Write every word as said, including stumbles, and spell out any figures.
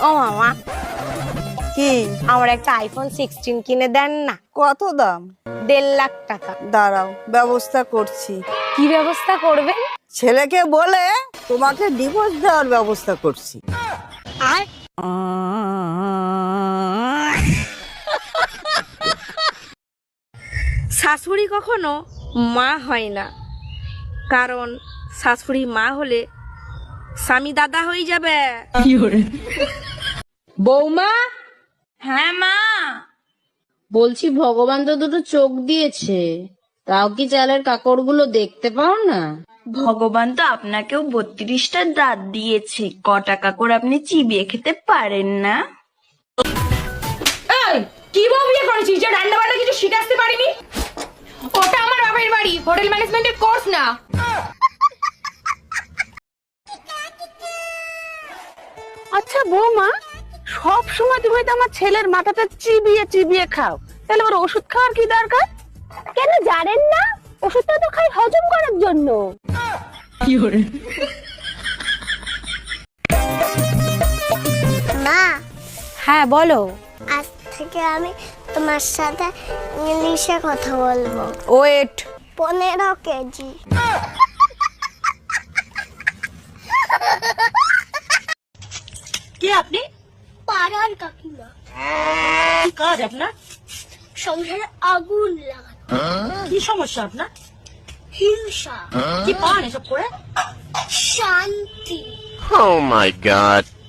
ও মামা, কি? আমার একটা আইফোন সিক্সটিন কিনে দেন না। কত দাম? দেড় লাখ টাকা। দাঁড়াও, ব্যবস্থা করছি। কি ব্যবস্থা করবেন? ছেলেকে বলে তোমাকে ডিভোর্স দেওয়ার ব্যবস্থা করছি। আর শাশুড়ি কখনো মা হয় না, কারণ শাশুড়ি মা হলে স্বামী দাদা হয়ে যাবে। বৌমা, হ্যাঁ মা, বলছি ভগবান তো দুটো চোখ দিয়েছে, তাও কি চালের কাকড়গুলো দেখতে পাও না? ভগবান তো আপনাকেও বত্রিশটা দাঁত দিয়েছে, ক টাকা করে আপনি চিবিয়ে খেতে পারেন না? এই কি বউ বিয়ে করেছিস যে রান্না বান্না কিছু শিখাতে পারিনি? ওটা আমার বাবার বাড়ি, হোটেল ম্যানেজমেন্টের কোর্স না। আচ্ছা বৌমা, সব সময় তুমি তো আমার ছেলের মাথাটা চিবিয়ে চিবিয়ে খাও, তাহলে ওর ওষুধ খাওয়ার কি দরকার? কেন জানেন না? ওষুধটা তো খাই হজম করার জন্য। মা, হ্যাঁ বলো। আজ থেকে আমি তোমার সাথে ইংলিশে কথা বলবো। ওয়েট। পনেরো কেজি। কে আপনি? পাড়ার কাকিমা। কি কাজ আপনার? সংসারে আগুন লাগানো। কি সমস্যা আপনার? হিংসা। কি পান এসব করে? শান্তি। Oh my god.